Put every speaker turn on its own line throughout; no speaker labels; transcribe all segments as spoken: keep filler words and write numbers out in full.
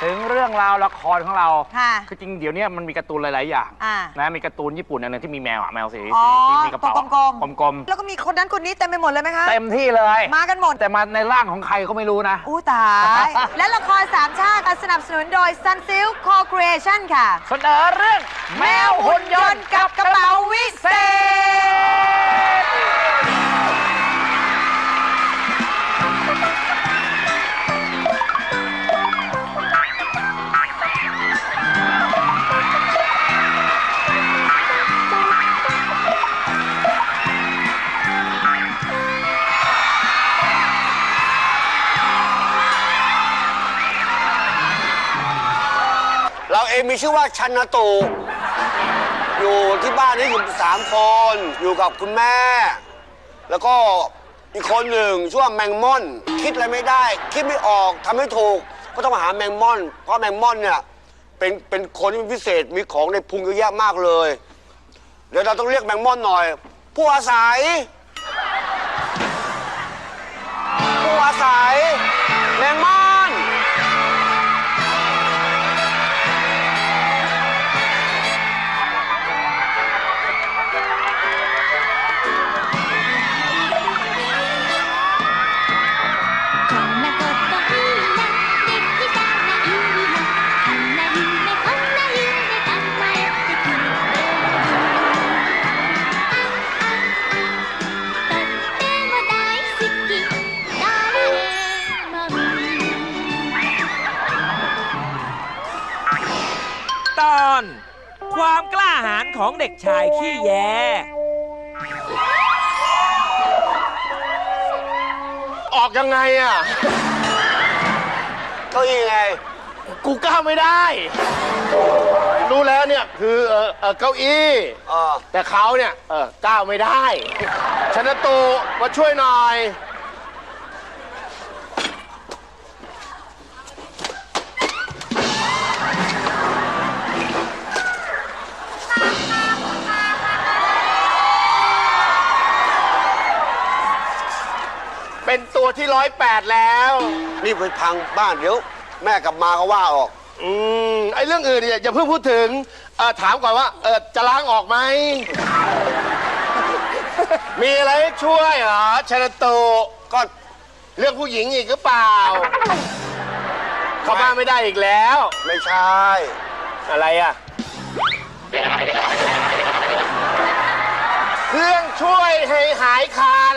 ถึงเรื่องราวละครของเรา
ค่ะ
คือจริงเดี๋ยวนี้มันมีการ์ตูนหลายๆอย่าง
อ่า
นะมีการ์ตูนญี่ปุ่นอันนึงที่มีแมวอะแมวสี
อ๋อ
สีที่มีกระเป๋าก
ลม
กลม
แล้วก็มีคนนั้นคนนี้เต็มไปหมดเลยไหมคะ
ๆเต็มที่เลย
มากันหมด
แต่มาในร่างของใครก็ไม่รู้นะ
อู้ตาย และละครสามชาติสนับสนุนโดย Sunsilk Co-Creation ค่ะ
เสนอเรื่องแมวหุ่นยนต์กับกระเป๋าวิเศษ
เราเองมีชื่อว่าชันนตูอยู่ที่บ้านนี้อยู่สามคนอยู่กับคุณแม่ แล้วก็อีกคนหนึ่งชื่อว่าแมงม่อน คิดอะไรไม่ได้ คิดไม่ออกทำไม่ถูกก็ต้องมาหาแมงม่อน เพราะแมงม่อนเนี่ยเป็นเป็นคนที่พิเศษมีของในพุงเยอะแยะมากเลยเดี๋ยวเราต้องเรียกแมงม่อนหน่อย ผู้อาศัยผู้อาศัยแมงม่อน
ตอนความกล้าหาญของเด็กชายขี้แย
ออกยังไงอ่ะเก้าอี้ไง
กูก้าวไม่ได้ รู้แล้วเนี่ยคือเออเออเก้าอี้
เออ
แต่เขาเนี่ยเออก้าวไม่ได้ชนะตูมาช่วยหน่อย เป็นตัวที่ร้อยแปดแล้ว
นี่ไปพังบ้านเดี๋ยว แม่กลับมาก็ว่าออก
อืมไอ้เรื่องอื่นเนี่ยอย่าเพิ่งพูดถึงเออถามก่อนว่าเออจะล้างออกไหม มีอะไรให้ช่วยเหรอชนะตู
ก็
เรื่องผู้หญิงอีกหรือเปล่า เข้าบ้านไม่ได้อีกแล้ว
ไม่ใช่
อะไรอ่ะ เครื่องช่วยให้หายคัน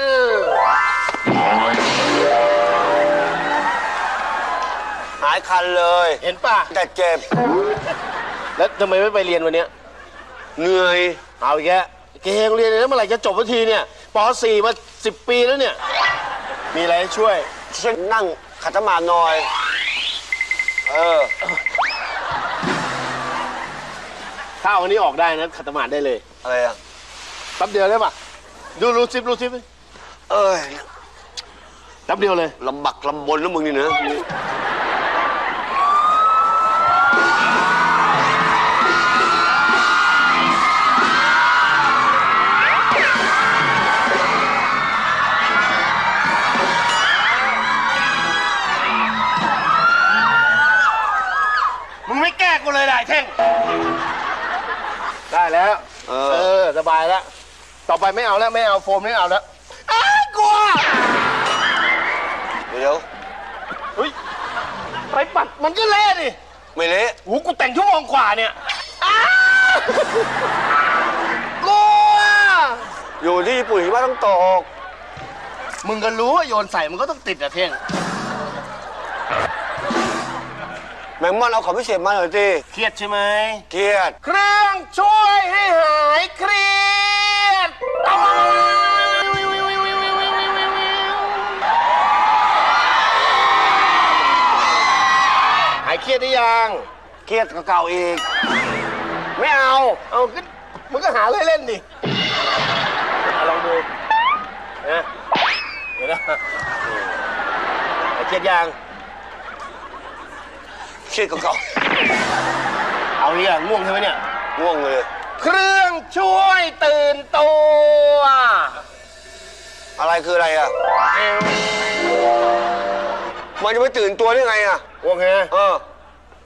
หายคันเลย
เห็นป่ะ
แต่เจ็บ
แล้วทำไมไม่ไปเรียนวันเนี้ย
เหนื่อย
เอาอีกแกเกงเรียนแล้วเมื่อไหร่จะจบสักทีเนี่ยป .สี่ มาสิบปีแล้วเนี่ย มีอะไรให้ช่วย
ฉันนั่งขัดสมาธิหน่อย เออ
ถ้าเอาวันนี้ออกได้นะขัดสมาธิได้เลย
อะไรอ่ะ
แป๊บเดียวได้ป่ะ ดูรูซิปรูซิป
เอ้ย
แป๊บเดียวเลย
ลำบักลำบนแล้วมึงนี่นะ
มึงไม่แก้กูเลยได้เท่ง ได้แล้ว
เอ
เอ
อ
อ สบายแล้ว ต่อไปไม่เอาแล้ว ไม่เอาโฟมไม่เอาแล้วอ้ายกลัว
เดี๋ยว
เฮ้ย ไปปัดมันก็เละดิ
ไม่เละ
โอ้กูแต่งชั่วโมงกว่าเนี่ยอ้าวกลัว
อยู่ที่ญี่ปุ่นหิมะต้องตก
มึงก็รู้ว่าโยนใส่มันก็ต้องติดอะเท่ง
แมงม่อนเอาของพิเศษมาหน่อยสิ
เครียดใช่ไหม
เครียด
เครื่องช่วยให้หายเครียดหายเครียดได้ยัง
เครียดกว่าเก่าอีก
ไม่เอา เอาก็มึงก็หาอะไรเล่นดิเอาลองดูนะเดี๋ยวนะหายเครียดยัง
เครียดกว่าเก่า
เอาอีกอะง่วงใช่ไหมเนี่ย
ง่วงเลย
เครื่องช่วยตื่นตัว
อะไรคืออะไรอ่ะ มันจะไม่ตื่นตัวได้ไงอ่ะ
โอเค
เออ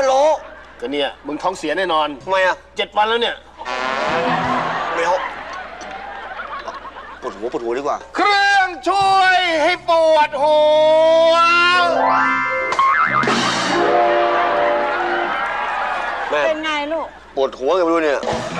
พะโล้
ก็เนี่ยมึงท้องเสียแน่นอน
ทำไมอ่ะ
เจ็ดวันแล้วเนี่ย
ไม่เอาปวดหัวปวดหัวดีกว่า
เครื่องช่วยให้ปวดหัว
แม่
เป็นไงลูก
ปวดหัวกันไม่รู้เนี่ย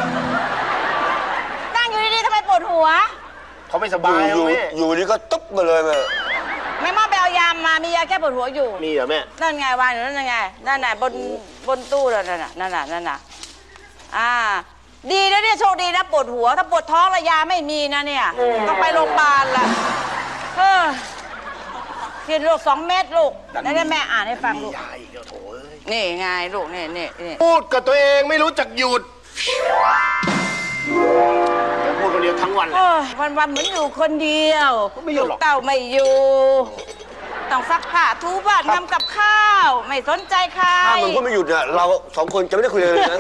นั่งอยู่ดีๆทำไมปวดหัว
เขาไม่ส
อบ
าย
ยู่
อะ
อยู่
แม่
อยู่นี่ก็ตุ๊บมาเลยแม่
แม่มอไปเอายามามียาแก้ปวดหัวอยู่
มีเหรอแม่
นั่นไงวางอยู่นั่นไง นั่นน่ะบนบนตู้นั่นน่ะนั่นน่ะนั่นน่ะอ่า ดีนะเนี่ยโชคดีนะปวดหัว ถ้าปวดท้องระยาไม่มีนะเนี่ย ต้องไปโรงพยาบาลละเออกินลูกสองเม็ดลูกแล้วได้แม่อ่านให้ฟังลูก
ยายเดี๋ยวโถเอ้ย
นี่ไงลูกนี่นี่นี่
พูดกับตัวเองไม่รู้จักหยุดยังพูดคนเดียวทั้งวันเลย
โอ้ยวันวันๆเหมือนอยู่คนเดียว
ไม่อยู่หรอก
ลูเต้าไม่อยู่ต้องซักผ้าทูบ้านทำกับข้าว ไม่สนใจใคร
ถ้ามึงก็ไม่หยุดเนี่ยเราสองคนจะไม่ได้คุยเลยนะ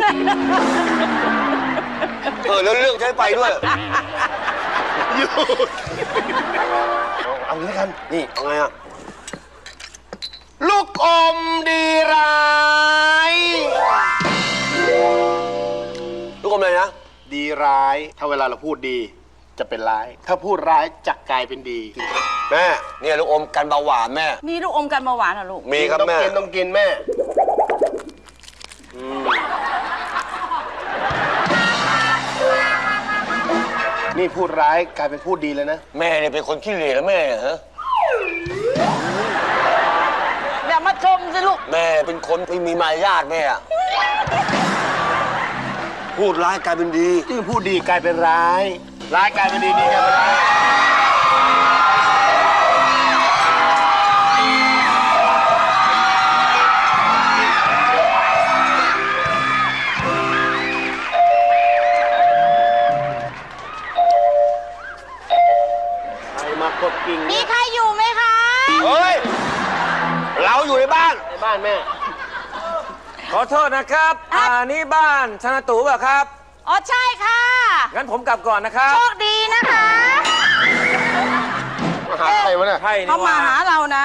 เออแล้วเรื่องใช้ไปด้วย
หยุดเอาเอางี้แล้วกัน
นี่เอาไงอ่ะ
ลูกอมดีร้าย
ลูกอมอะไรนะ
ดีร้าย ถ้าเวลาเราพูดดีจะเป็นร้าย ถ้าพูดร้ายจะกลายเป็นดี
แม่เนี่ยลูกอมกันเบาหวานแม่
มีลูกอมกันเบาหวานเหรอลูก
มีครับ
ต้อง
แม่
กินต้องกินแม่อืมนี่พูดร้ายกลายเป็นพูดดีเลยนะ
แม่เนี่ยเป็นคนขี้เหร่แล้วแม่ฮะ
อย่ามาชมสิลูก
แม่เป็นคนไม่มีมารยาทแม่อะพูดร้ายกลายเป็นดี
ที่พูดดีกลายเป็นร้าย ร้ายกลายเป็นดีดีกลายเป็นร้าย
อยู่ในบ้าน
ในบ้านแม่
ขอโทษนะครับ อ่า นี่บ้านชนะตู่ป่ะครับ
อ๋อใช่ค่ะ
งั้นผมกลับก่อนนะครับ
โชคดีนะคะ
มาหาใครวะเนี่ย
ใช่นี่
เขามา
ว่า
หาเรานะ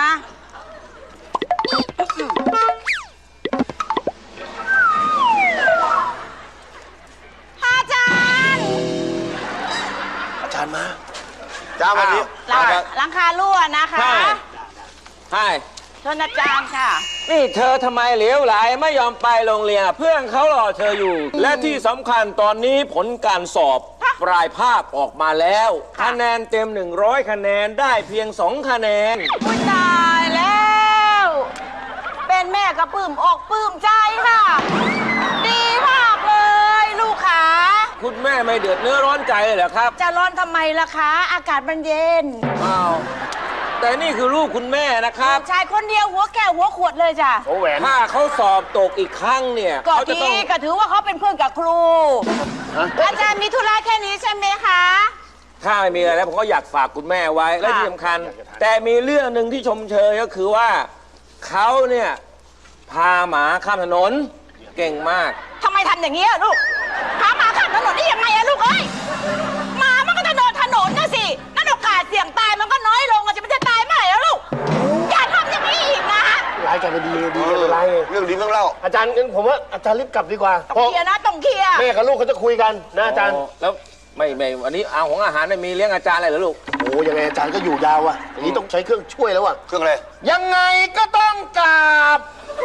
อาจารย์
อาจารย์มา
จ้าวันนี้
หลังหลังคารั่วนะคะ
ใช่ใช่
เชิญอาจารย์ค่ะ
นี่เธอทำไมเหลวไหลไม่ยอมไปโรงเรียนเพื่อนเขารอเธออยู่ และที่สำคัญตอนนี้ผลการสอบ
ฮะ
ปลายภาคออกมาแล้ว
ค่ะ
คะแนนเต็ม หนึ่งร้อย คะแนนได้เพียง สอง คะแนน
อุ๊ยตายแล้ว เป็นแม่กระปลื้มอกปลื้มใจค่ะ ดีมากเลย ลูกขา
คุณแม่ไม่เดือดเนื้อร้อนใจเลยเหรอครับ
จะร้อนทำไมล่ะคะ อากาศมันเย็น
อ้าวแต่นี่คือลูกคุณแม่นะครับ
ชายคนเดียวหัวแก้วหัวขวดเลยจ้ะ
โอ้แหวน
ถ้าเขาสอบตกอีกครั้งเนี่ย
ก็
เขาจะ
ดี
ต้อง
ก็ถือว่าเขาเป็นเพื่อนกับครู อาจารย์มีธุระแค่นี้ใช่ไหมคะ
ถ้าไม่มีอะไรแล้วผมก็อยากฝากคุณแม่ไว้ และที่สำคัญ แต่มีเรื่องหนึ่งที่ชมเชยก็คือว่าเขาเนี่ยพาหมาข้ามถนนเก่งมาก
ทำไมทำอย่างนี้อะลูกพาหมาข้ามถนนได้ยังไงอะลูกเอ้ยหมามันก็จะโดนถนนนะสินั่นโอกาสเสี่ยงตายมันก็น้อยลงอะจะมันจะตายเมื่อไหร่แล้วลูก อย่าทำอย่างนี้อีกนะ
ร้ายกันไปดีดีกันไปร้ายเลย
เรื่องดีเรื่องเล่า
อาจารย์งั้นผมว่าอาจารย์รีบกลับดีกว่า
ต้องเคลียร์นะต้องเคลียร์
แม่กับลูกเขาจะคุยกันนะอาจารย์
อ๋อแล้วไม่ไม่วันนี้เอาของอาหารเนี่ยมีเลี้ยงอาจารย์อะไรเหรอลูก
โอ้ยังไงอาจารย์ก็อยู่ยาวอ่ะอย่างนี้ต้องใช้เครื่องช่วยแล้วอ่ะ
เครื่องอะไร
ยังไงก็ต้องกราบ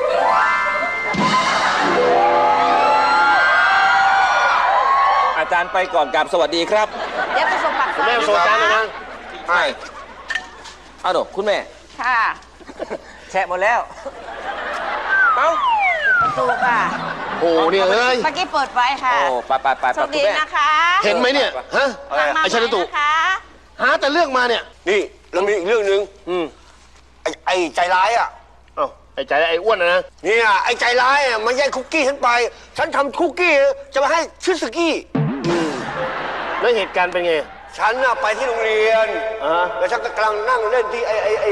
อาจารย์ไปก่อนกราบสวัสดีครับ
เดี๋ยวไปส่งปากซอย
แม่ส่งอาจารย์หน่อยนะ
ใช่เอาหนูคุณแม่
ค่ะ
แชะหมดแล้ว เอ้า
ประตูค่ะ
โอ้เนี่ยเอ้ย
เมื่อกี้เปิดไว้ค่ะ
โอ้ไปไปไป
โช
ไป
ค
คุณ
ดี
แม่
นะคะ
เห็นไหมเนี่ยฮะ
หลังมา
ไอ้ชนตุ
ใหม่นะคะ
หาแต่เรื่องมาเนี่ย
นี่เรามีอีกเรื่องหนึ่ง
อืม
ไอ้ไอ้ใจร้ายอ่ะ
เอ้าไอ้ใจไอ้อ้วนนะนะ
เนี่ยไอ้ใจร้ายอ่ะมันแย่งคุกกี้ฉันไป ฉันทำคุกกี้จะมาให้ชิสกี้
แล้วเหตุการณ์เป็นไง
ฉันน่ะไปที่โรงเรียน
อ่าฮะ
แล้วฉันก็กำลังนั่งเล่นที่ไอ้ไอ้ไอ้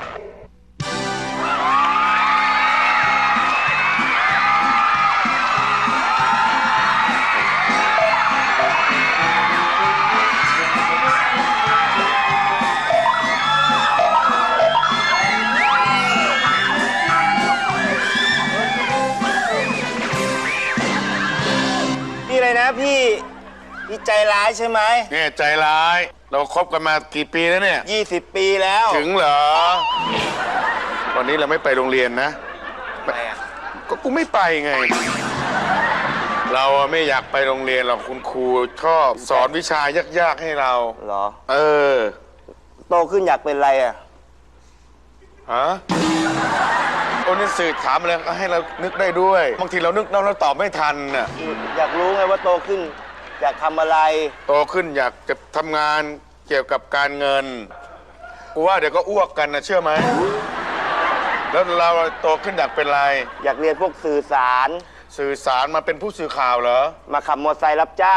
พี่อะไรนะพี่พี่ใจร้ายใช่ไหม
เนี่ยใจร้าย เราคบกันมากี่ปีแล้วเนี่ย
ยี่สิบปีแล้ว
ถึงเหรอ วันนี้เราไม่ไปโรงเรียนนะ ก็กูไม่ไปไง เราอะไม่อยากไปโรงเรียนหรอกคุณครูชอบสอนวิชายากๆให้เรา
เหรอ
เออ
โตขึ้นอยากเป็นอะไรอ่ะ
ฮะโอ้นี่สื่อถามอะไรก็ให้เรานึกได้ด้วย บางทีเรานึกแล้วเราตอบไม่ทันน่ะ
อยากรู้ไงว่าโตขึ้น อยากทำอะไร
โตขึ้นอยากจะทำงานเกี่ยวกับการเงิน กูว่าเดี๋ยวก็อ้วกกันนะเชื่อไหม แล้วเราโตขึ้นอยากเป็นอะไร
อยากเรียนพวกสื่อสาร
สื่อสารมาเป็นผู้สื่อข่าวเหรอ
มาขับมอเตอร์ไซค์รับจ้าง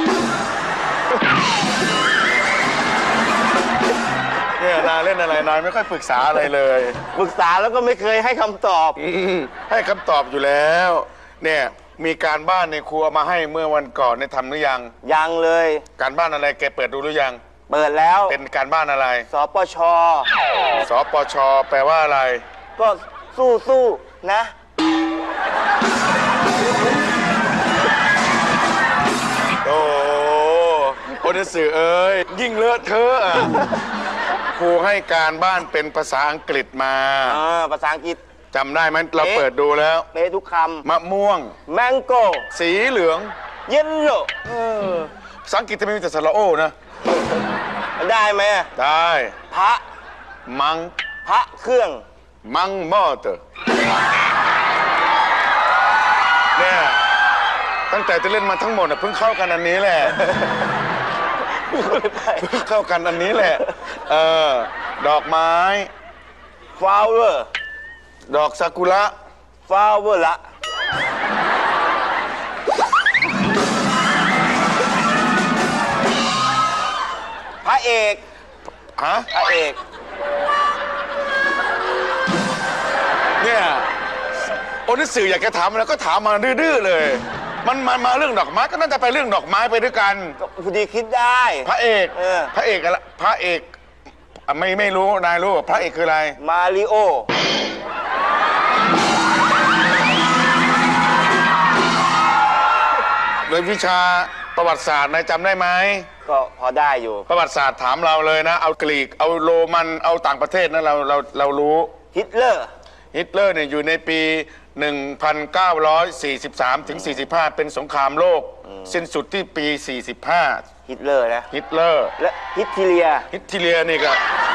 เนี่ยนายเล่นอะไรนายไม่ค่อยปรึกษาอะไรเลย
ปรึกษาแล้วก็ไม่เคยให้คำตอบ
อืมให้คำตอบอยู่แล้ว เนี่ยมีการบ้านในครัวมาให้เมื่อวันก่อนเนี่ยทำหรือยัง
ยังเลย
การบ้านอะไรแกเปิดดูหรือยัง
เปิดแล้ว
เป็นการบ้านอะไร
สปช
สปช แปลว่าอะไร
ก็สู้สู้นะ
โอ้โหโอเดสื่อเอ้ยยิ่งเลอะเทอะอะครูให้การบ้านเป็นภาษาอังกฤษมา
อ่า ภาษาอังกฤษ
จำได้ไหมเราเปิดดูแล้ว
เป๊ะทุกค
มะม่วง
ำ แมงโก้
สีเหลือง
เยลโล่
ภาษาอังกฤษจะไม่มีแต่สระโอนะ
ได้ไหม
ได้
พระ
มัง
พระเครื่อง
มังมอเตอร์เนี่ยตั้งแต่จะเล่นมาทั้งหมดน่ะเพิ่งเข้ากันอันนี้แหละ เพิ่งเข้ากันอันนี้แหละ เออ ดอกไม้
flower
ดอกซากุระ
flower ละ พระเอก
ฮะ
พระเอก
อ้นี่สื่ออยากจะถามแล้วก็ถามมาดื้อๆเลย มันมามาเรื่องดอกไม้ก็น่าจะไปเรื่องดอกไม้ไปด้วยกัน
พอดีคิดได้
พระเอก
เออ
พระเอกอะไรพระเอกอ่ะไม่ไม่รู้นายรู้พระเอกคืออะไร
มาริโอ
โดยวิชาประวัติศาสตร์นายจำได้ไหม
ก็พอได้อยู่
ประวัติศาสตร์ถามเราเลยนะ เอากรีกเอาโรมันเอาต่างประเทศนะเราเราเรารู้
ฮิตเลอร์
ฮิตเลอร์เนี่ยอยู่ในปี หนึ่งพันเก้าร้อยสี่สิบสาม ถึง สี่สิบห้า เป็นสงครามโลก สิ้นสุดที่ปี สี่สิบห้า
ฮิตเลอร์นะ
ฮิตเลอร์
และฮิตทีเลีย
ฮิตเลียนี่ก็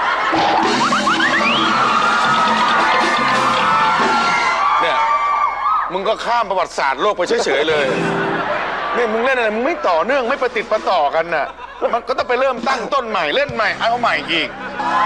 เนี่ยมึงก็ข้ามประวัติศาสตร์โลกไปเฉยๆเลยเนี่ยมึงเล่นอะไรมึงไม่ต่อเนื่องไม่ประติดประต่อกันน่ะมันก็ต้องไปเริ่มตั้งต้นใหม่เล่นใหม่เอาใหม่อีก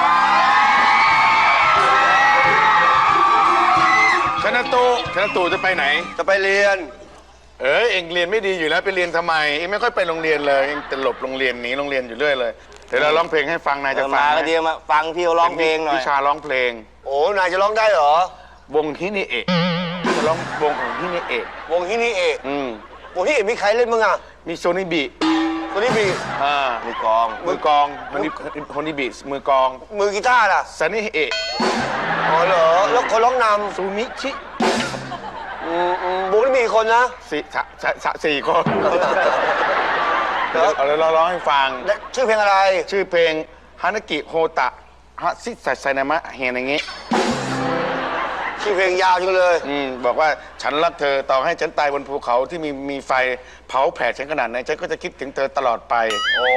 ชนะตูชนะตูจะไปไหน
จะไปเรียน
เออเองเรียนไม่ดีอยู่แล้วไปเรียนทำไมเองไม่ค่อยไปโรงเรียนเลยเองจะหลบโรงเรียนหนีโรงเรียนอยู่เรื่อยเลยเดี๋ยวเราร้องเพลงให้ฟังนายจะ
เออ
ฟัง
มา
ไหม
ก็ดีมาฟังพี่เขาร้องเพลงหน่อย
วิชาร้องเพลง
โอ้นายจะร้องได้เหรอ
วงฮินิเอะจะร้องวงของฮินิเอะ
วงฮินี่เอก
อืม
วงฮินี่เอกมีใครเล่นบ้างอ่ะ
มีโซนิบิ
คนนี้มี
อ่า
มือกลอง
มือกลองคนนี้คนนี้บิมือกลอง
มือกีตาร์ล่ะ
ซันนี่เอะ
อ๋อเหรอ แล้วคนร้องน
ซูมิชิ
ำอืมอืมวงนี้มีกี่คนนะ
สี่สะสะสะสี่คนเดี๋ยวเอาเลยเราร้องให้ฟัง
และชื่อเพลงอะไร
ชื่อเพลงฮานากิโฮตะฮะซิสัไซนามะเฮนอย่างงี้
ชื่อเพลงยาวจังเลย
อืมบอกว่าฉันรักเธอต่อให้ฉันตายบนภูเขาที่มีมีไฟเผาแผดฉันขนาดไหนฉันก็จะคิดถึงเธอตลอดไป
โอ้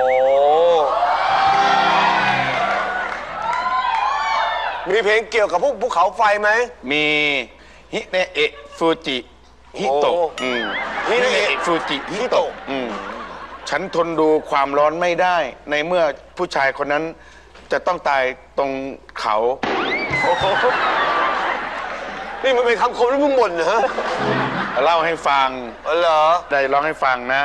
มีเพลงเกี่ยวกับพวกภูเขาไฟไหม
มีฮิเนเอะฟูจิฮิโตะ
โอ้
อืม
ฮิเนะเอะ
ฟูจิฮิ
ฮิ
โตะ
โตะ
อืมฉันทนดูความร้อนไม่ได้ ในเมื่อผู้ชายคนนั้นจะต้องตายตรงเขา
โอ้โหนี่มันเป็นคำคมที่มึงบ่นเหรอ
เล่าให้ฟัง
อ๋อเหรอ
ได้ร้องให้ฟังนะ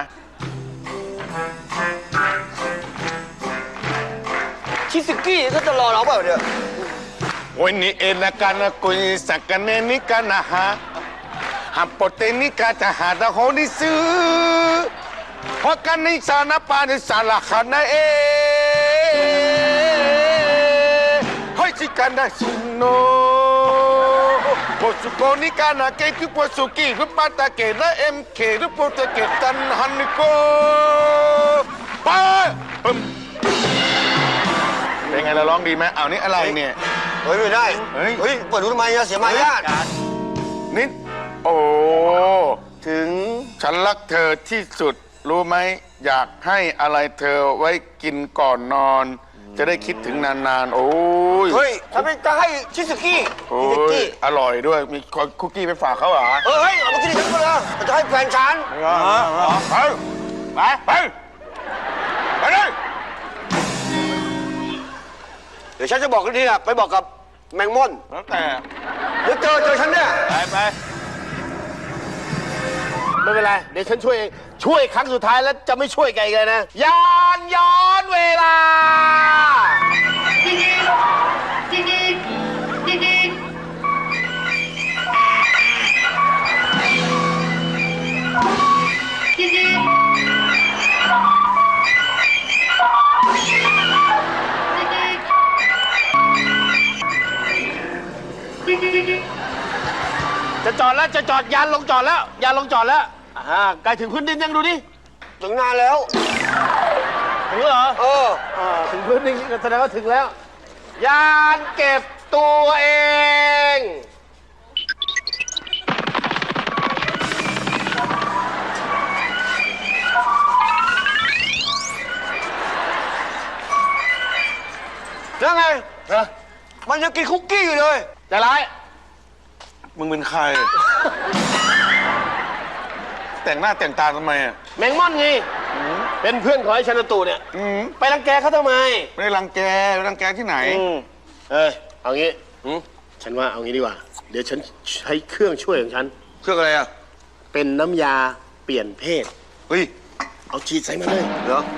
ชิสกี้ก็จะรอเราเปล่าเนี่ย
วันนี้เอนาการนะกุยสักกันเนนิกันนะฮะฮัปโปเตนิกาจะหาดะโฮดิซึเพราะกันนิสานาปานิสาลาคานาเอเฮ้ยชิกันดาชิโนโปสุโกนิกานาเกตุโปสุกิรุปาตาเกนะเอ็มเครุปตะเกตันฮันนิโกไปปึ๊มเป็นไงเราร้องดีไหมเอานี่อะไรเนี่ย
เฮ้ยไม่ได้
เฮ้ย
เฮ้ยเปิดดูทำไมอะเสียมารยาท
นิดโอ้
ถึง
ฉันรักเธอที่สุดรู้ไหมอยากให้อะไรเธอไว้กินก่อนนอน จะได้คิดถึงนานๆ โอ้ย
เฮ้ยทำไมจะให้ชิสกี้
โอ้
ชิส
ย
กี้
อร่อยด้วยมีคุกกี้ไปฝากเขาเหรอ
เออเฮ้ยเอามากินฉันก็เลยจะให้แฟนฉัน
ไปไปไปไปเลย
เดี๋ยวฉันจะบอกกันทีนะไปบอกกับแมงม่อน
แล้วแต่
เดี๋ยวเจอเจอฉันเนี่ย
ไปไป
ไม่เป็นไร เดี๋ยวฉันช่วยเอง ช่วยครั้งสุดท้ายแล้วจะไม่ช่วยแกอีกเลยนะ
ยานย้อนเวลา
จะจอดแล้วจะจอดยานลงจอดแล้วยานลงจอดแล้วอ่าใกล้ถึงพื้นดินยังดูดิ
ถึงนานแล้ว
ถึงแล้วเหรอ
เออ
อ่าถึงพื้นดินก็แสดงว่าถึงแล้ว ยานเก็บตัวเอง
แล้วไง
นะ
มันยังกินคุกกี้อยู่เลย
จะร้าย
มึงเป็นใคร แต่งหน้าแต่งตาทำไมอ่ะ
แมงม่อนไงเป็นเพื่อนของไอ้ชนตูเนี่ย
อืม
ไปรังแกเขาทำไม
ไม่ได้รังแกไปรังแกที่ไหน
เอ้ยเอางี้ฉันว่าเอางี้ดีกว่า เดี๋ยวฉันใช้เครื่องช่วยของฉัน
เครื่องอะไรอ่ะ
เป็นน้ำยาเปลี่ยนเพศ
เฮ้ย
เอาฉีดใส่มาเลย
เหรอ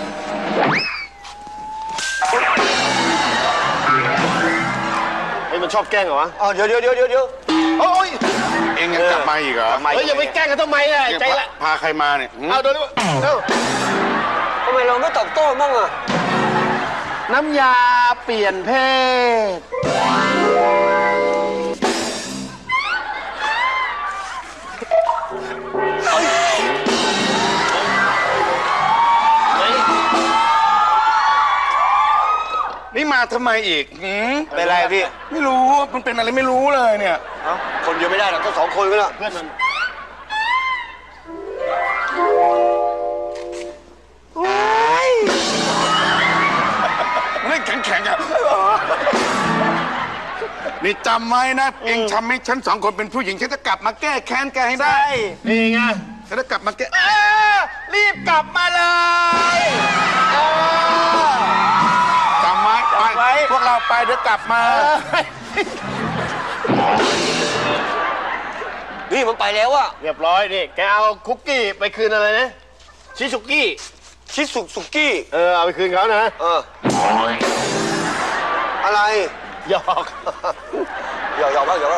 ให้มันชอบแกล้งเหรอวะ
อ๋อเดี๋ยวเดี๋ยวเดี๋ยวเดี๋ยวเดี๋ยว
โอ้ย
เองยังกลับมาอีกเหรอ
เฮ้ยอย่าไปแกล้งกันทำไมอ่ะใจละ
พาใครมาเนี่ยหืม
เอาเดี๋ยวดูเอ้า
ทำไมเราไม่ตอบโต้บ้างอ่ะ
น้ำยาเปลี่ยนเพศ
นี่มาทำไมอีกหืม
เป็นไรพี่
ไม่รู้ มันเป็นอะไรไม่รู้เลยเนี่ย
เอ้าคนเดียวไม่ได้หรอกต้องสองคนก็แล้ว
เพื่อนมัน
เล่นแข็งๆอ่ะ นี่จำไว้นะ เองทำให้ฉันสองคนเป็นผู้หญิง ฉันจะกลับมาแก้แค้นแกให้ได้
นี่ไง
ฉันจะกลับมาแก้
เออรีบกลับมาเลยเออ
จำไว้ไปพวกเราไปเดี๋ยวกลับมา
นี่มันไปแล้วอ่ะ
เรียบร้อยนี่แกเอาคุกกี้ไปคืนอะไรนะชิซุกี้
ชิสุสุกี้
เออเอาไปคืนเขานะ
เอออะไร
หยอก
หยอกหยอกบ้างหยอกบ้าง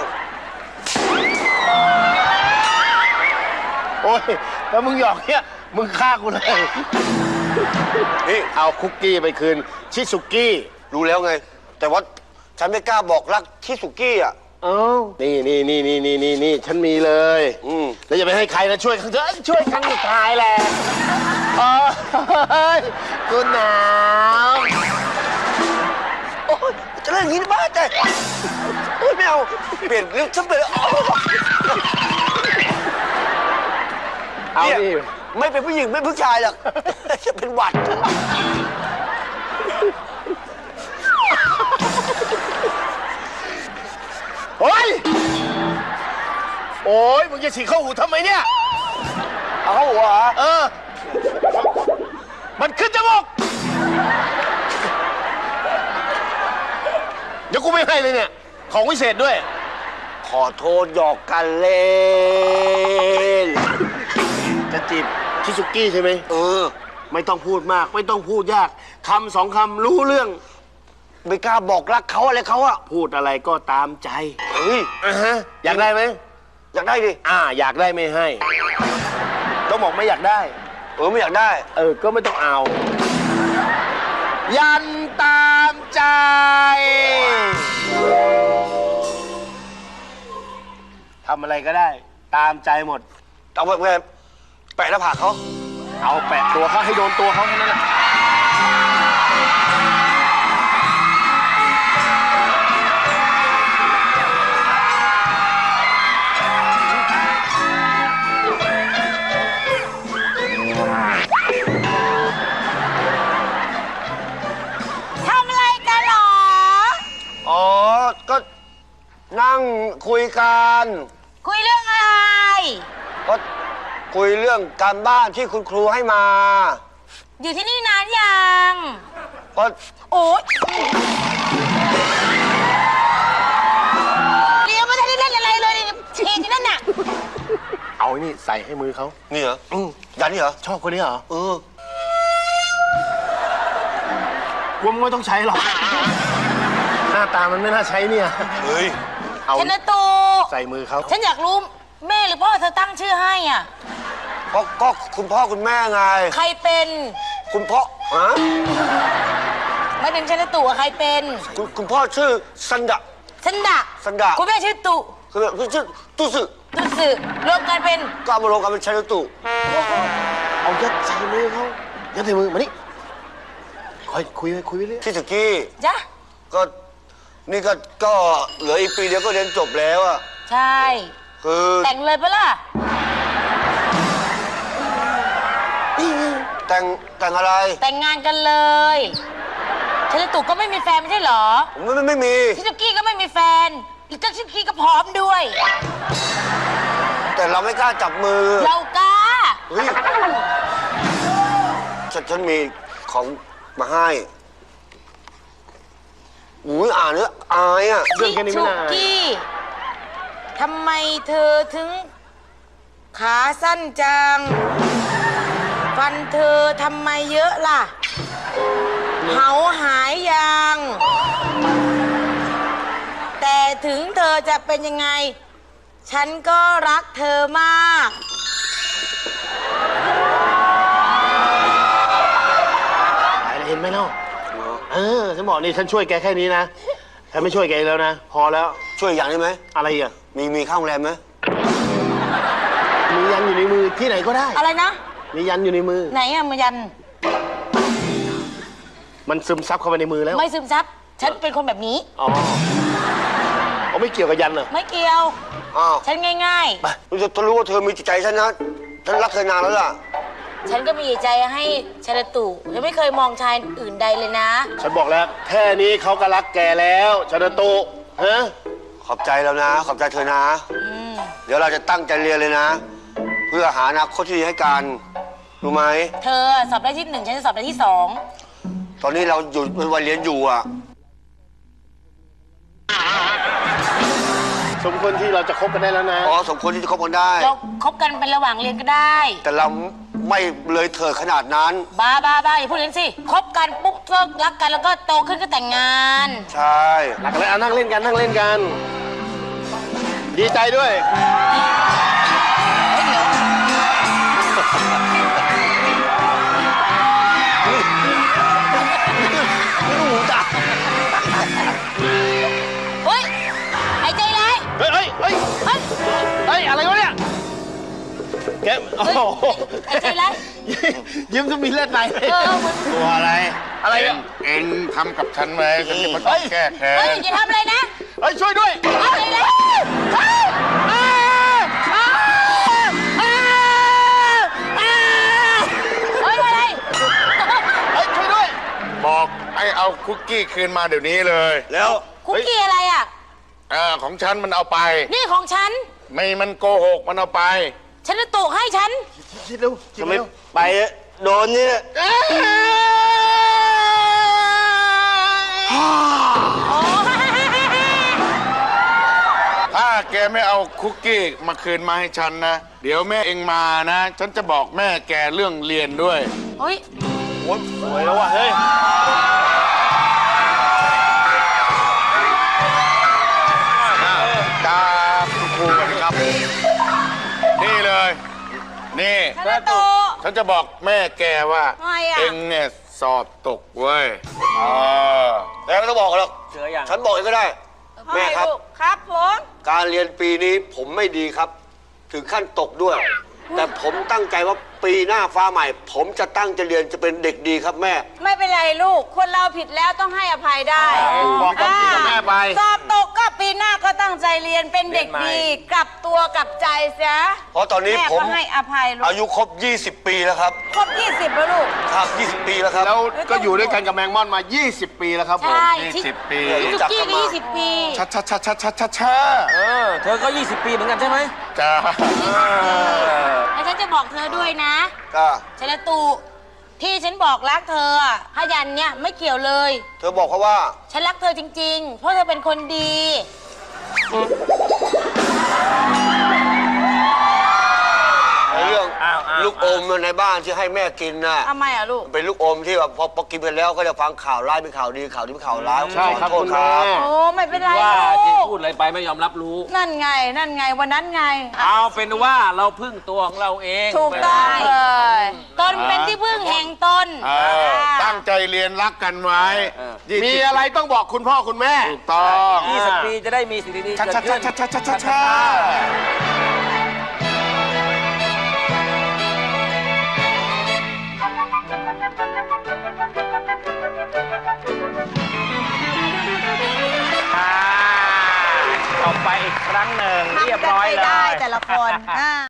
โอ้ยแล้วมึงหยอกเนี่ยมึงฆ่ากูเลย
นี่
เอาคุกกี้ไปคืนชิซุกี้
รู้แล้วไง แต่ว่าฉันไม่กล้าบอกรักชิสุกี้อ่ะ
เอ้านี่นี่นี่นี่นี่นี่นี่ฉันมีเลย
อืม
แล้วอย่าไปให้ใครนะช่วยครั้งเถอะช่วยครั้งสุดท้ายแหละโอ้ยกูหนาว
โอ้ยจะเล่นอย่างนี้บ้าแต่โอ้ยไม่เอาเปลี่ยนเรื่องฉันเลยเอา
เอา
เนี่ย
ดิ
ไม่เป็นผู้หญิงไม่เป็นผู้ชายหรอกจะเป็นหวัด
โอ้ยโอ้ยมึงจะฉีกเข้าหูทำไมเนี่ย
เอาเข้าหัวเหรอ
เออ มันขึ้นจมูกเดี๋ยวกูไม่ให้เลยเนี่ย ของวิเศษด้วย
ขอโทษหยอกกันเล่น
จะจีบชิซุกี้ใช่ไหม
เออ
ไม่ต้องพูดมาก ไม่ต้องพูดยากคำสองคำรู้เรื่อง
ไม่กล้าบอกรักเขาอะไรเขาอะ
พูดอะไรก็ตามใจ
เฮ้ย
อ่ะฮะ อยากได้ไหม
อยากได้ดิ
อ่า อยากได้ไม่ให้ ต้องบอกไม่อยากได้
เออไม่อยากได้
เออ ก็ไม่ต้องเอา ยันตามใจ ทำอะไรก็ได้ ตามใจหมด
เอาแบบแปะหน้าผากเขา
เอาแปะตัวเขาให้โดนตัวเขาแค่นั้นแหละ
ทำอะไรกันหรอ
อ๋อ ก็นั่งคุยกัน
คุยเรื่องอะไร
ก็คุยเรื่องการบ้านที่คุณครูให้มา
อยู่ที่นี่นานยัง
ก็
โอ๊ยเรียนไม่ทันได้เล่นอะไรเลยเชนที่นั่นน่ะ
เอาไอ้นี่ใส่ให้มือเขา
นี่เหรออืมยันนี่เหรอ
ชอบคนนี้เหรอ
เออ
กูไม่ต้องใช้หรอก หน้าตามันไม่น่าใช้เนี่ย
เฮ้ย
เอา
ชนะตู
ใส่มือเขา
ฉันอยากรู้แม่หรือพ่อเธอตั้งชื่อให้อ่ะ
ก็ก็คุณพ่อคุณแม่ไง
ใครเป็น
คุณพ่อฮะ
ไม่ถึงชนะตูอะใครเป็น
คุณคุณพ่อชื่อสันดะ
ฉันดะ
สันดะ
คุณแม่ชื่อตุ
คือคือชื่อตุสึ
ตุสึรวมกันเป็น
ก็เอามารวมกันเป็นชายตุ
เอายัดใส่มือเขายัดใส่มือมานี่คอยคุยไปคุยไปเรื่อย
ที่สกี้
จ้ะ
ก็นี่ก็ก็เหลืออีกปีเดียวก็เรียนจบแล้วอะ
ใช่
คือ
แต่งเลยปะล่ะ
แต่งแต่งอะไร
แต่งงานกันเลยชนะตูก็ไม่มีแฟนไม่ใช่เหรอ
ไม่ไม่ไม่มี
ชิซุกี้ก็ไม่มีแฟนอีกก็ชิซุกี้ก็พร้อมด้วย
แต่เราไม่กล้าจับมือ
เรากล้า
เฮ้ยฉันฉันมีของมาให้อุ้ยอ่านแล้วอายอ่ะ
เรื่องแค่นี้ไม่
ชิ
น่า
ซุกี้ทำไมเธอถึง ขาสั้นจัง ฟันเธอทำไมเยอะล่ะเหาหายยัง แแต่ถึงเธอจะเป็นยังไง ฉันก็รักเธอมาก
เห็นไหมเนาะเออฉันบอกนี่ฉันช่วยแกแค่นี้นะฉันไม่ช่วยแกอีกแล้วนะ พอแล้ว
ช่วยอย่างได้ไหม
อะไรอ่ะ
มีมีข้าวโรงแรมไหม
มียันอยู่ในมือที่ไหนก็ได้
อะไรนะ
มียันอยู่ในมือ
ไหนอะมายัน
มันซึมซับเข้าไปในมือแล้ว
ไม่ซึมซับ ฉันเป็นคนแบบนี้
อ๋อเขาไม่เกี่ยวกับยันเหรอ
ไม่เกี่ยว
อ้าว
ฉันง่าย
ไปรู้จะรู้ว่าเธอมีจิตใจฉันนะฉันรักเธอนานแล้วล่ะ
ๆ ฉันก็มีใจให้ชาลตุฉันไม่เคยมองชายอื่นใดเลยนะ
ฉันบอกแล้ว แค่นี้เขาก็รักแกแล้วชนตุฮะ
ขอบใจแล้วนะ ขอบใจเธอนะ เดี๋ยวเราจะตั้งใจเรียนเลยนะ เพื่อหาอนาคตที่ดีให้กันรู้ไหม
เธอสอบได้ที่หนึ่งฉันจะสอบได้ที่สอง
ตอนนี้เราอยู่เป็นวัยเรียนอยู่อ่ะ
สมควรที่เราจะคบกันได้แล้วนะ
อ๋อสมควรที่จะคบกันได้
เราคบกันเป็นระหว่างเรียนก็ได้
แต่เราไม่เลยเถิดขนาดนั้น
บ้าบ้าบ้าอย่าพูดอย่างนั้นสิคบกันปุ๊บก็รักกันแล้วก็โตขึ้นก็แต่งงาน
ใช่
หลักเลยอ่ะนั่งเล่นกันนั่งเล่นกัน ดีใจด้วย
เฮ้ยเดี๋ยว
ไม่รู้จัก
เฮ้ยหายใจเลย
เฮ้ยเฮ้ยเฮ้ย
เฮ้ย
เฮ้ยอะไรวะเนี่ยแกโอ้โห
หายใจเลย
ยิ้มจะมีเลือดไหล
เออเหมือน
ตัวอะไร
อะไรอ่ะ
เอ็งทำกับฉันไว้ฉันจะมาต้องแก้แค้
เฮ้ย
น
อย่าทำอะไรนะ
เฮ้ยช่วยด้วย
เอาเลยเลยเฮ้ยอ้าวอ้าวอ้าวอ้าวเฮ้ยอะไร
เฮ้ยช่วยด้วย
บอกให้เอาคุกกี้คืนมาเดี๋ยวนี้เลย
แล้ว
คุกกี้อะไรอ่ะ
อ่าของฉันมันเอาไป
นี่ของฉัน
ไม่มันโกหกมันเอาไป
ฉันจะตุกให้ฉัน
คิดเร็วคิด
จะไม่
เร็ว
ไปโดนนี่
โอ้
ถ้าแกไม่เอาคุกกี้มาคืนมาให้ฉันนะ เดี๋ยวแม่เองมานะ ฉันจะบอกแม่แกเรื่องเรียนด้วย
เฮ้ย
โอ้ยสวยแล้วว่ะเฮ้ย
ตาคุณครูกันครับ นี่เลย นี่
ฉันจะตุก
ฉันจะบอกแม่แกว่า
ทำไมอ่ะ
เองเนี่ยสอบตกเว้ยเออ
แล้วไม่ต้องบอกหรอก
เสืออย่าง
ฉันบอกเองก็ได้ แม่ครับ
ครับผม
การเรียนปีนี้ผมไม่ดีครับ ถึงขั้นตกด้วย แต่ผมตั้งใจว่าปีหน้าฟ้าใหม่ ผมจะตั้งใจเรียนจะเป็นเด็กดีครับแม่
ไม่เป็นไรลูก คนเราผิดแล้วต้องให้อภัยได้
บอกความจริงกับแม่ไป
สอบตกก็ปีหน้าก็ตั้งใจเรียนเป็นเด็กดี กลับตัวกลับใจเสีย
เพราะตอนนี้
แม่
ผม
ก็ให้อภัยลูก
อายุครบ ยี่สิบ ปีแล้วครับ
ครบยี่สิบแล้วลูก
ครับ ยี่สิบ ปีแล้วครับ
แล้วก็อยู่ด้วยกันกับแมงม่อนมา ยี่สิบ ปีแล้วครับผม
ใช่
ยี่สิบปี
ที่จุกกี้ก็ยี่สิบปี
ช้าช้าช้าช้าช้าช้าช้า
เออ เธอก็ ยี่สิบ ปีเหมือนกันใช่ไหม
จ้า
แล้วฉันจะบอกเธอด้วยนะ
ก็
ชลตุที่ฉันบอกรักเธออะพยันเนี่ยไม่เกี่ยวเลย
เธอบอกเขาว่า
ฉันรักเธอจริง ๆ เพราะเธอเป็นคนดี
ไอ้เรื่อง
อ้าวอ้าว
ลูกอมในบ้านที่ให้แม่กินน่ะ
ทำไมอ่ะลูก
เป็นลูกอมที่แบบพอพอกินไปแล้วก็จะฟังข่าวร้ายเป็นข่าวดีข่าวดีเป็นข่าวร้าย
ใช่ครับ
ขอ
คุณ
โทษ
แม่
โอ้ไม่เป็นไร
ว่าที่
ลูก
พูดอะไรไปไม่ยอมรับรู้
นั่นไง นั่นไง วันนั้นไง
เอาเป็นว่าเราพึ่งตัวของเราเอง
ถูกต้องเลยตนเป็นที่พึ่งแห่งตน
เออตั้งใจเรียนรักกันไว้ยี่
มี
สิบ
อะไรต้องบอกคุณพ่อคุณแม่
ถูกต้อง
ยี่สิบ ปีจะได้มีสิ่งดีๆ
ช้า
เกิด
ช้า
ขึ้น
ช้าช้าช้าช้าช้า
ต่อไปอีกครั้งหนึ่งเรียบร้อยเล
ได้
ย
แต่ละคนอ่า